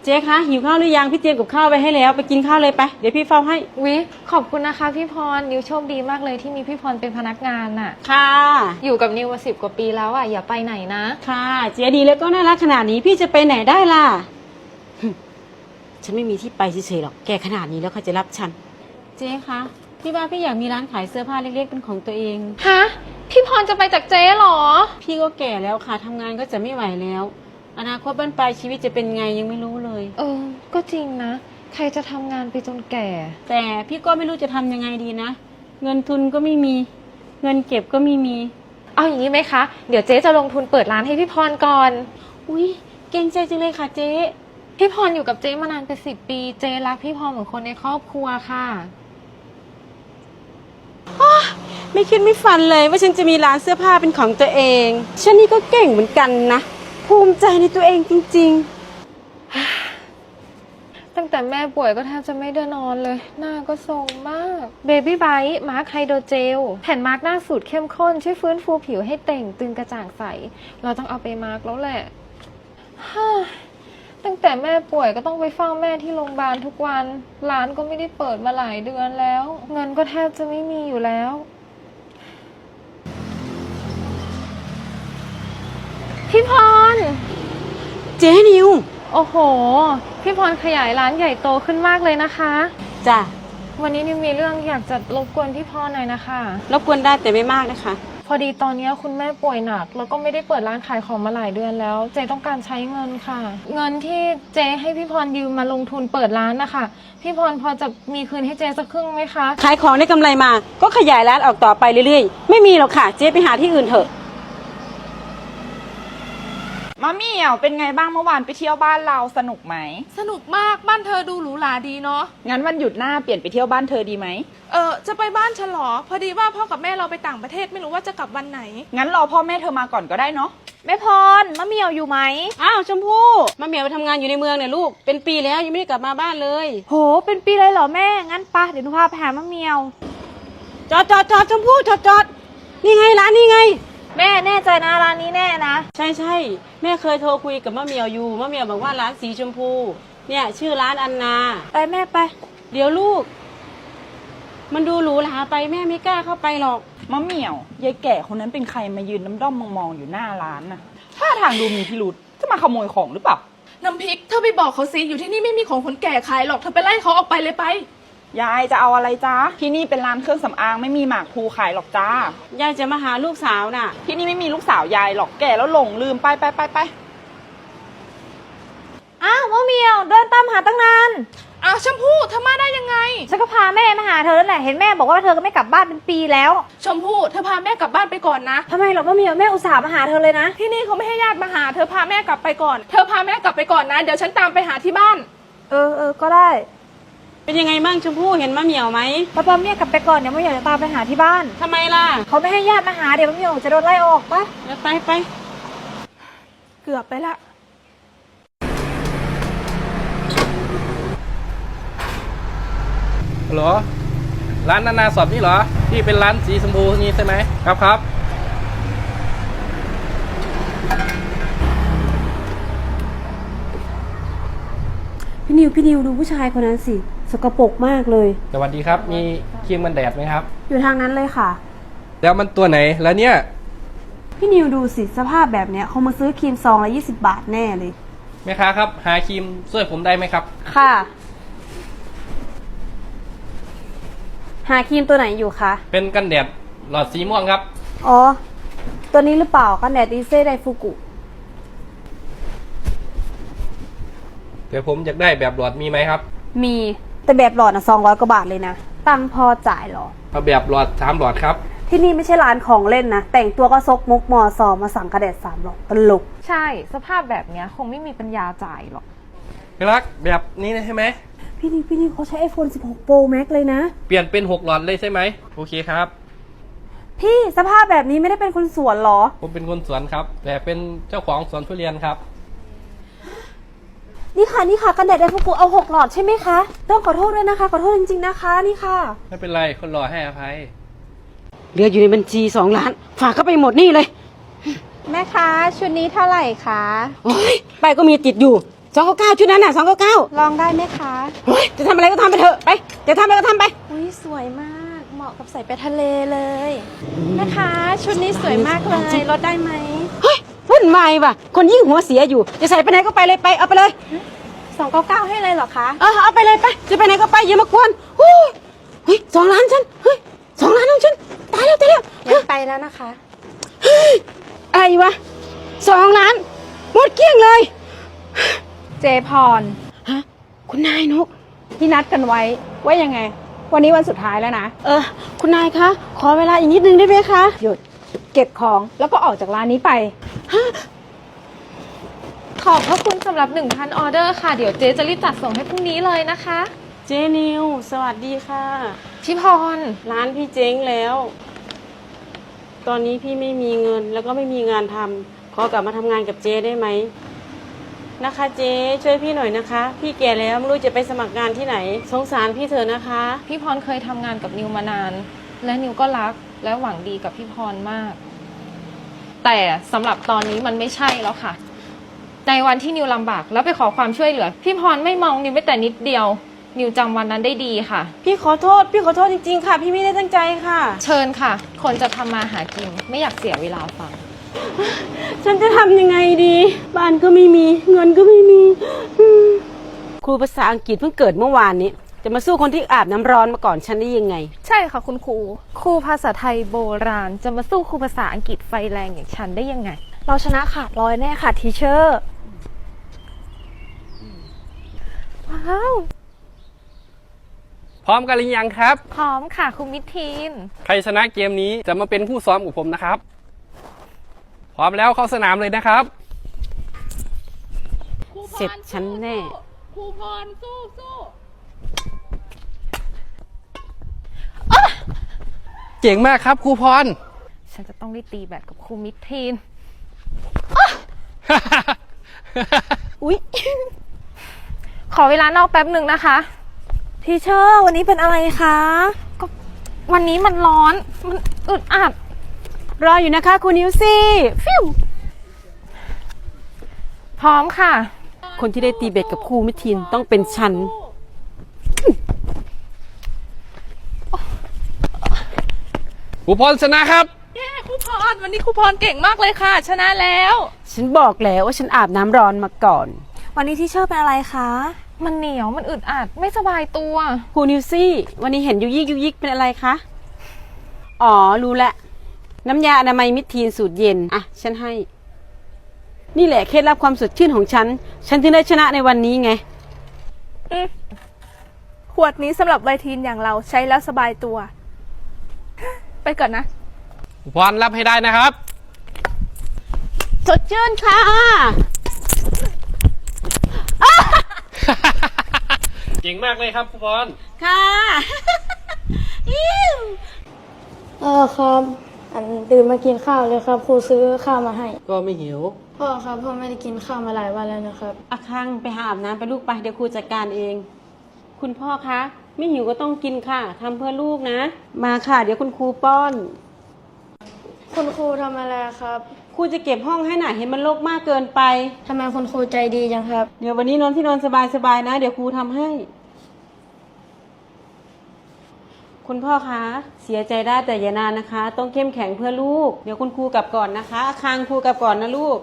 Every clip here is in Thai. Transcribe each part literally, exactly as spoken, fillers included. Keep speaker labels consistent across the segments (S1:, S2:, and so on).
S1: เจ๊คะหิวข้าวหรือยังพี่เตรียมกับข้าวไว้ให้แล้วไปกินข้าวเลยไปเดี๋ยวพี่เฝ้าให้
S2: วิขอบคุณนะคะพี่พรนิวโชคดีมากเลยที่มีพี่พรเป็นพนักงานน่ะ
S1: ค่ะ
S2: อยู่กับนิวมาสิบกว่าปีแล้วอ่ะอย่าไปไหนนะ
S1: ค่ะเจ๊ดีแล้วก็น่ารักขนาดนี้พี่จะไปไหนได้ล่ะฉันไม่มีที่ไปเฉยๆหรอกแกขนาดนี้แล้วเขาจะรับฉันเจ๊คะพี่ว่าพี่อยากมีร้านขายเสื้อผ้าเล็กๆเป็นของตัวเอง
S2: ฮะพี่พรจะไปจากเจ๊หรอ
S1: พี่ก็แก่แล้วค่ะทำงานก็จะไม่ไหวแล้วอนาคตบ้านปลายชีวิตจะเป็นไงยังไม่รู้เลย
S2: เออก็จริงนะใครจะทำงานไปจนแก่
S1: แต่พี่ก็ไม่รู้จะทำยังไงดีนะเงินทุนก็ไม่มีเงินเก็บก็ไม่มี
S2: เอาอย่างนี้ไหมคะเดี๋ยวเจ๊จะลงทุนเปิดร้านให้พี่พรก่อน
S1: อุ้ยเก่งใจจังเลยค่ะเจ๊
S2: พี่พรอยู่กับเจ๊มานานเป็นสิบปีเจ๊รักพี่พรเหมือนคนในครอบครัวค่ะ
S1: ไม่คิดไม่ฝันเลยว่าฉันจะมีร้านเสื้อผ้าเป็นของตัวเองฉันนี่ก็เก่งเหมือนกันนะภูมิใจในตัวเองจริง
S2: ๆตั้งแต่แม่ป่วยก็แทบจะไม่ได้นอนเลยหน้าก็ทรงมากเบบี้ไบท์มาร์คไฮโดรเจลแผ่นมาร์คหน้าสูตรเข้มข้นช่วยฟื้นฟูผิวให้เต่งตึงกระจ่างใสเราต้องเอาไปมาร์คแล้วแหละตั้งแต่แม่ป่วยก็ต้องไปเฝ้าแม่ที่โรงพยาบาลทุกวันร้านก็ไม่ได้เปิดมาหลายเดือนแล้วเงินก็แทบจะไม่มีอยู่แล้วพี่พร
S1: เจ๊นิว
S2: โอ้โหพี่พรขยายร้านใหญ่โตขึ้นมากเลยนะคะ
S1: จ้ะ
S2: วันนี้นิวมีเรื่องอยากจะรบกวนพี่พรหน่อยนะคะ
S1: รบกวนได้แต่ไม่มากนะคะ
S2: พอดีตอนนี้คุณแม่ป่วยหนักแล้วก็ไม่ได้เปิดร้านขายของมาหลายเดือนแล้วเจต้องการใช้เงินค่ะเงินที่เจให้พี่พรยืมมาลงทุนเปิดร้านนะคะพี่พรพอจะมีคืนให้เจสักครึ่งไหมคะ
S1: ขายของได้กำไรมาก็ขยายร้านออกต่อไปเรื่อยๆไม่มีหรอกค่ะเจ๊ไปหาที่อื่นเถอะ
S3: มะเหมี่ยวเป็นไงบ้างเมื่อวานไปเที่ยวบ้านเราสนุกไหม
S4: สนุกมากบ้านเธอดูหรูหราดีเนาะ
S3: งั้นวันหยุดหน้าเปลี่ยนไปเที่ยวบ้านเธอดีไหม
S4: เออจะไปบ้านฉันหรอพอดีว่าพ่อกับแม่เราไปต่างประเทศไม่รู้ว่าจะกลับวันไหน
S3: งั้นรอพ่อแม่เธอมาก่อนก็ได้เนาะ
S4: แม่พรมะเหมี่ยวอยู่ไหม
S1: อ้าวชมพู่มะเหมี่ยวไปทำงานอยู่ในเมืองเนี่ยลูกเป็นปีแล้วยังไม่ได้กลับมาบ้านเลย
S4: โหเป็นปีเลยเหรอแม่งั้นปะเดี๋ยวหนูพาไปหามะเหมี่ยว
S1: จอดจอดจอดชมพู่จอดจอดนี่ไงร้านนี่ไง
S4: แม่แน่ใจนะร้านนี้แน่นะ
S1: ใช่ใช่แม่เคยโทรคุยกับมะเหมี่ยวอยู่มะเหมี่ยวบอกว่าร้านสีชมพูเนี่ยชื่อร้านอันนา
S4: ไปแม่ไป
S1: เดี๋ยวลูกมันดูหรูหราไปแม่ไม่กล้าเข้าไปหรอก
S3: มะเหมี่ยวยายแก่คนนั้นเป็นใครมายืนน้ำด้อมมองๆอยู่หน้าร้านน่ะท่าทางดูมีพิรุธจะมาขโมยของหรือเปล่า
S4: น้ำพริกเธอไปบอกเขาสิอยู่ที่นี่ไม่มีของคนแก่ขายหรอกเธอไปไล่เขาออกไปเลยไป
S3: ยายจะเอาอะไรจ้าที่นี่เป็นร้านเครื่องสำอางไม่มีหมากพลูขายหรอกจ้าย
S1: ายจะมาหาลูกสาวน่ะ
S3: ที่นี่ไม่มีลูกสาวยายหรอกแก่แล้วหลงลืมไปไปไปไป
S4: อ้าวมะเหมี่ยวเดินตามหาตั้งนานอ้าวชมพู่เธอมาได้ยังไงฉันก็พาแม่มาหาเธอแล้วแหละเห็นแม่บอกว่าเธอก็ไม่กลับบ้านเป็นปีแล้วชมพู่เธอพาแม่กลับบ้านไปก่อนนะทำไมหรอมะเหมี่ยวแม่อุตส่าห์มาหาเธอเลยนะที่นี่เขาไม่ให้ญาติมาหาเธอพาแม่กลับไปก่อนเธอพาแม่กลับไปก่อนนะเดี๋ยวฉันตามไปหาที่บ้านเออเออก็ได้
S1: เป็นยังไงบ้างชมพู่เห็นมะเหมี่ยวไหม
S4: ป้าป้าเมียกลับไปก่อนเดี๋ยวมะเหมี่ยวจะตามไปหาที่บ้าน
S1: ทำไมล่ะ
S4: เขาไม่ให้ญาติมาหาเดี๋ยวมะเหมี่ยวจะโดนไล่ออกปะ
S1: ไปไป
S4: เกือบไปละ
S5: ฮัลโหลร้านนานาสอบนี่เหรอที่เป็นร้านสีชมพูนี้ใช่ไหมครับครับ
S1: พี่นิวพี่นิวดูผู้ชายคนนั้นสิสกปรกมากเลย
S5: สวัสดีครับมีครีมกันแดดไหมครับ
S1: อยู่ทางนั้นเลยค่ะ
S5: แล้วมันตัวไหนแล้วเนี่ย
S1: พี่นิวดูสิสภาพแบบเนี้ยเขามาซื้อครีมซองละยี่สิบบาทแน่เลย
S5: แม่ค้าครับหาครีมช่วยผมได้ไหมครับ
S1: ค่ะหาครีมตัวไหนอยู่คะ
S5: เป็นกันแดดหลอดสีม่วงครับ
S1: อ๋อตัวนี้หรือเปล่ากันแดดดีเซ่ไดฟูกุ
S5: เดี๋ยวผมอยากได้แบบหลอดมีไหมครับ
S1: มีแต่แบบหลอดนะสองร้อยกว่าบาทเลยนะตังพอจ่ายหรอ
S5: เอาแบบหลอดสามหลอดครับ
S1: ที่นี่ไม่ใช่ร้านของเล่นนะแต่งตัวก็ซกมุกมอซอมาสั่งกระแดดสามหลอดตลก
S2: ใช่สภาพแบบเนี้ยคงไม่มีปัญญาจ่ายหรอก
S5: พี่รักแบบนี้ใช่ไหม
S1: พี่นิวพี่นิวเขาใช้ ไอโฟนสิบหกโปรแม็กซ์เลยนะ
S5: เปลี่ยนเป็นหกหลอดเลยใช่ไหมโอเคครับ
S1: พี่สภาพแบบนี้ไม่ได้เป็นคนสวนหรอ
S5: ผมเป็นคนสวนครับแต่เป็นเจ้าของสวนทุเรียนครับ
S1: นี่ค่ะนี่ค่ะกันแดดไดฟูกุเอาหกหลอดใช่ไหมคะต้องขอโทษด้วยนะคะขอโทษจริงๆนะคะนี่ค่ะ
S5: ไม่เป็นไรคนรอให้อภัย
S1: เหลืออยู่ในบัญชีสองล้านฝากเข้าไปหมดนี่เลย
S4: แม่คะชุดนี้เท่าไหร่คะ
S1: โอ้ยไปก็มีติดอยู่สองเก้าเก้าชุดนั้นน่ะสองเก้าเก้า
S4: ลองได้ไหมคะ
S1: เฮ้ยจะทำอะไรก็ทำไปเถอะไปจะทำอะไรก็ทำไป
S4: อุ้ยสวยมากเหมาะกับใส่ไปทะเลเลยนะคะชุดนี้สวยมากเลยลดได้ไหม
S1: เฮ้ยวุ่นวายว่ะคนยิ่งหัวเสียอยู่จะใส่ไปไหนก็ไปเลยไปเอาไปเลย
S4: สองเก้าเก้าให้เลยเหรอคะ
S1: เออเอาไปเลยไปจะไปไหนก็ไปอย่ามากวนโอ้ยเฮ้ยสองล้านฉันเฮ้ยสองล้านของฉันตายแล้วตายแล้ว
S4: งั้นไปแล้วนะคะ
S1: เฮ้ยอะไรวะสองล้านหมดเกลี้ยงเลย
S4: เจพร
S1: ฮะคุณนายนก
S3: ที่นัดกันไว้ว่ายังไง วันนี้วันสุดท้ายแล้วนะ
S1: เออคุณนายคะขอเวลาอีกนิดนึงได้ไหมคะ
S3: หยุดเก็บของแล้วก็ออกจากร้านนี้ไป
S2: ขอบพระคุณสำหรับ หนึ่งพัน ออเดอร์ค่ะ เดี๋ยวเจ๊จะรีบจัดส่งให้พรุ่งนี้เลยนะคะ
S1: เจนิวสวัสดีค่ะ
S2: พี่พร
S1: ร้านพี่เจ๊งแล้ว ตอนนี้พี่ไม่มีเงินแล้วก็ไม่มีงานทำขอกลับมาทำงานกับเจ๊ได้ไหมนะคะเจ๊ช่วยพี่หน่อยนะคะ พี่แก่แล้วไม่รู้จะไปสมัครงานที่ไหนสงสารพี่เถอะนะคะ
S2: พี่พรเคยทำงานกับนิวมานาน และนิวก็รักและหวังดีกับพี่พรมาก แต่สำหรับตอนนี้มันไม่ใช่แล้วค่ะ ในวันที่นิวลำบากแล้วไปขอความช่วยเหลือ พี่พรไม่มองนิวแม้แต่นิดเดียว นิวจำวันนั้นได้ดีค่ะ
S1: พี่ขอโทษ พี่ขอโทษจริงๆค่ะ พี่ไม่ได้ตั้งใจค่ะ
S2: เชิญค่ะ คนจะทำมาหากินไม่อยากเสียเวลาฟัง
S1: ฉันจะทำยังไงดี บ้านก็ไม่มี เงินก็ไม่มีอืมครูภาษาอังกฤษเพิ่งเกิดเมื่อวานนี้ จะมาสู้คนที่อาบน้ำร้อนมาก่อนฉันได้ยังไง
S2: ใช่ค่ะคุณครูครูภาษาไทยโบราณ จะมาสู้ครูภาษาอังกฤษไฟแรงอย่างฉันได้ยังไง
S4: เราชนะขาดร้อยแน่ค่ะทีเชอร์
S2: ว้าว
S5: พร้อมกันหรือยังครับ
S2: พร้อมค่ะคุณมิทีน
S5: ใครชนะเกมนี้จะมาเป็นผู้ซ้อมกับผมนะครับ พร้อมแล้วเข้าสนามเลยนะครับ
S1: เสร็จฉันแน่
S2: ครูพรสู้สู้
S5: เก่งมากครับครูพร
S2: ฉันจะต้องได้ตีแบดกับครูมิทีน
S1: อุ๊ย
S2: ขอเวลานอกแป๊บหนึ่งนะคะ
S4: ทีเชอร์วันนี้เป็นอะไรคะ
S2: ก็วันนี้มันร้อน มันอึดอัด
S1: รออยู่นะคะคุณนิวซี่ฟิว
S2: พร้อมค่ะ
S1: คนที่ได้ตีเบ็ดกับครูมิทินต้องเป็นฉัน
S5: ครูพรชนะครับ
S6: ครูพรวันนี้ครูพรเก่งมากเลยค่ะ ชนะแล้ว
S1: ฉันบอกแล้วว่าฉันอาบน้ำร้อนมาก่อน
S4: วันนี้ทีเชอร์เป็นอะไรคะ
S2: มันเหนียวมันอึดอัดไม่สบายตัว
S1: ครูนิวซี่ วันนี้เห็นยุยิกยุยิกเป็นอะไรคะ อ๋อ รู้แล้ว น้ำยาอนามัยมิตรทีนสูตรเย็น อ่ะ ฉันให้ นี่แหละเคล็ดลับความสดชื่นของฉัน ฉันถึงได้ชนะในวันนี้ไง
S4: ขวดนี้สำหรับไวทีนอย่างเราใช้แล้วสบายตัว ไปก่อนนะ
S5: ครูพรรับให้ได้นะครับ
S1: สดชื่นค่ะ
S5: เก่งมากเลยครับครูพร
S1: ค่ะ
S7: เออครับ อันตื่นมากินข้าวเลยครับ ครูซื้อข้าวมาให้
S5: ก็ไม่หิว
S7: พ่อครับพ่อไม่ได้กินข้าวมาหลายวันแล้วนะครับ
S1: อาคังไปหาอาบน้ำไปลูกไปเดี๋ยวครูจัดการเอง คุณพ่อคะไม่หิวก็ต้องกินค่ะทำเพื่อลูกนะ มาค่ะ เดี๋ยวคุณครูป้อน
S7: คุณครูทำอะไรครับ
S1: ครูจะเก็บห้องให้หน่อยเห็นมันรกมากเกินไป
S7: ทำไมคุณครูใจดีจังครับ
S1: เดี๋ยววันนี้นอนที่นอนสบายๆนะ เดี๋ยวครูทำให้ คุณพ่อคะเสียใจได้แต่อย่านานนะคะ ต้องเข้มแข็งเพื่อลูก เดี๋ยวคุณครูกลับก่อนนะคะอาคังครูกลับก่อนนะลูก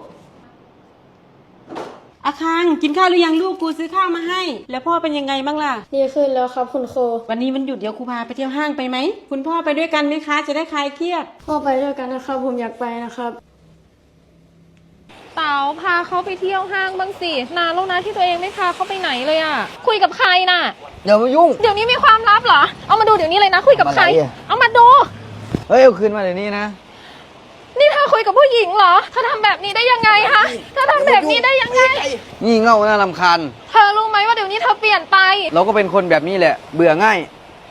S1: อาคังกินข้าวหรือยังลูกครูซื้อข้าวมาให้ แล้วพ่อเป็นยังไงบ้างล่ะ
S7: ดีขึ้นแล้วครับคุณครู
S1: วันนี้มันหยุดเดี๋ยวครูพาไปเที่ยวห้างไปไหมคุณพ่อไปด้วยกันไหมคะ จะได้คลายเครียด
S7: พ่อไปด้วยกันนะครับ ผมอยากไปนะครับ
S2: เต๋าพาเขาไปเที่ยวห้างบ้างสินานแล้วนะที่ตัวเองไม่พาเขาไปไหนเลยอะคุยกับใครน่ะ
S8: อย่ามายุ่ง
S2: เดี๋ยวนี้มีความลับเหรอ เอามาดูเดี๋ยวนี้เลยนะ คุยกับใคร
S8: มาไหนอะ
S2: เอามาดู
S8: เฮ้ย เอาคืนมาเดี๋ยวนี้นะ
S2: นี่เธอคุยกับผู้หญิงเหรอเธอทำแบบนี้ได้ยังไงฮะเธอทำแบบนี้ได้ยังไง
S8: งี่เง่าน่ารำคาญ
S2: เธอรู้ไหมว่าเดี๋ยวนี้เธอเปลี่ยนไป
S8: เราก็เป็นคนแบบนี้แหละ เบื่อง่าย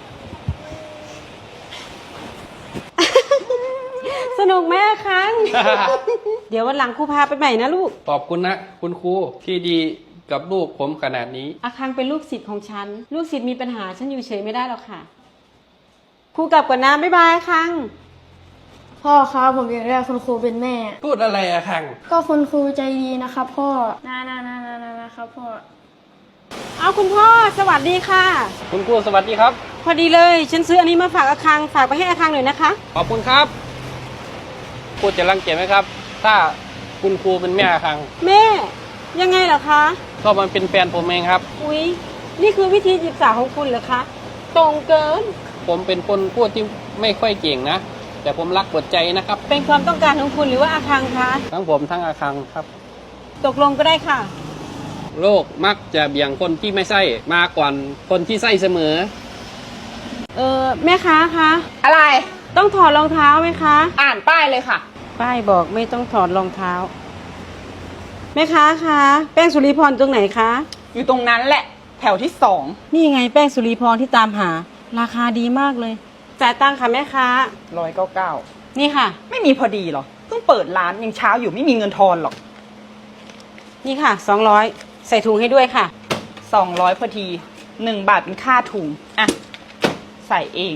S1: สนุกไหมอาคัง เดี๋ยววันหลังครูพาไปใหม่นะลูก
S5: ขอบคุณนะ คุณครูที่ดีกับลูกผมขนาดนี้
S1: อาคังเป็นลูกศิษย์ของฉัน ลูกศิษย์มีปัญหาฉันอยู่เฉยไม่ได้หรอกค่ะ ครูกลับก่อนนะบ๊ายบายอาคัง
S7: พ่อครับผมอยากได้คุณครูเป็นแม่
S5: พูดอะไรอะคัง
S7: ก็คุณครูใจดีนะครับพ่อนานานานานานะครับพ่อ
S1: เอาคุณพ่อสวัสดีค่ะ
S5: คุณครูสวัสดีครับ
S1: พอดีเลยฉันซื้ออันนี้มาฝากอาคังฝากไปให้อาคังหน่อยนะคะ
S5: ขอบคุณครับพูดจะรังเกียจไหมครับ ถ้าคุณครูเป็นแม่คัง
S1: แม่ยังไงเหรอคะ
S5: ก็มันเป็นแฟนผมเองครับ
S1: อุ๊ยนี่คือวิธีจีบสาวของคุณเหรอคะตรงเกิน
S5: ผมเป็นคนพูดที่ไม่ค่อยเก่งนะ แต่ผมรักเปิดใจนะครับ
S1: เป็นความต้องการของคุณหรือว่าอาคังคะ
S5: ทั้งผมทั้งอาคังครับ
S1: ตกลงก็ได้ค่ะ
S5: โลกมักจะเบี่ยงคนที่ไม่ใช่มาก่อนคนที่ใช่เสมอ
S1: เออแม่ค้าคะ
S3: อะไร
S1: ต้องถอดรองเท้าไหมคะ
S3: อ่านป้ายเลยค่ะ
S1: ป้ายบอกไม่ต้องถอดรองเท้าแม่ค้าคะแป้งสุริพรตรงไหนคะ
S3: อยู่ตรงนั้นแหละ แถวที่สอง
S1: นี่ไงแป้งสุริพรที่ตามหา ราคาดีมากเลยจ่ายตังค่ะแม่ค้า
S3: ร้อยเก้าเก้า
S1: นี่ค่ะ
S3: ไม่มีพอดีหรอ เพิ่งเปิดร้านยังเช้าอยู่ไม่มีเงินทอนหรอก
S1: นี่ค่ะสองร้อยใส่ถุงให้ด้วยค่ะ
S3: สองร้อยพอดีหนึ่งบาทเป็นค่าถุง อ่ะ ใส่เอง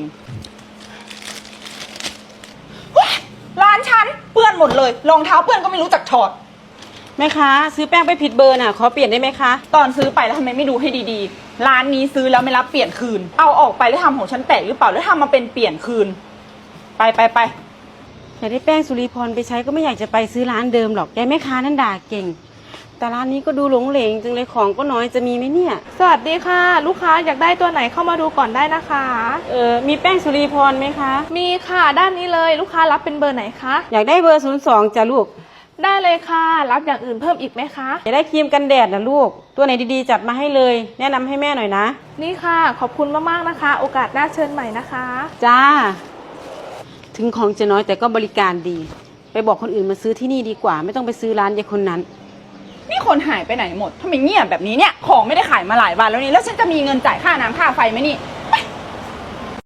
S3: ว้ายร้านฉันเปื้อนหมดเลย รองเท้าเปื้อนก็ไม่รู้จักถอด
S1: แม่ค้าซื้อแป้งไปผิดเบอร์น่ะขอเปลี่ยนได้ไหมคะ
S3: ตอนซื้อไปแล้วทำไมไม่ดูให้ดีๆ ร้านนี้ซื้อแล้วไม่รับเปลี่ยนคืน เอาออกไปแล้วทำของฉันแตกหรือเปล่าแล้วทำมาเป็นเปลี่ยนคืน ไปไปไป
S1: อยากได้แป้งสุริพรไปใช้ก็ไม่อยากจะไปซื้อร้านเดิมหรอกยายแม่ค้านั่นด่าเก่ง แต่ร้านนี้ก็ดูหลงเหลงจังเลยของก็น้อยจะมีไหมเนี่ย
S2: สวัสดีค่ะ ลูกค้าอยากได้ตัวไหนเข้ามาดูก่อนได้นะคะ
S1: เออมีแป้งสุริพรไหมคะ
S2: มีค่ะด้านนี้เลยลูกค้ารับเป็นเบอร์ไหนคะ
S1: อยากได้เบอร์ศูนย์สองจ้ะลูก
S2: ได้เลยค่ะ รับอย่างอื่นเพิ่มอีกไหมคะ
S1: อยากได้ครีมกันแดดนะลูก ตัวไหนดีๆจัดมาให้เลย แนะนำให้แม่หน่อยนะ
S2: นี่ค่ะขอบคุณมากๆนะคะ โอกาสหน้าเชิญใหม่นะคะ
S1: จ้า ถึงของจะน้อยแต่ก็บริการดี ไปบอกคนอื่นมาซื้อที่นี่ดีกว่า ไม่ต้องไปซื้อร้านยายคนนั้น
S3: นี่คนหายไปไหนหมดทำไมเงียบแบบนี้เนี่ย ของไม่ได้ขายมาหลายวันแล้วนี่ แล้วฉันจะมีเงินจ่ายค่าน้ำค่าไฟไหมนี่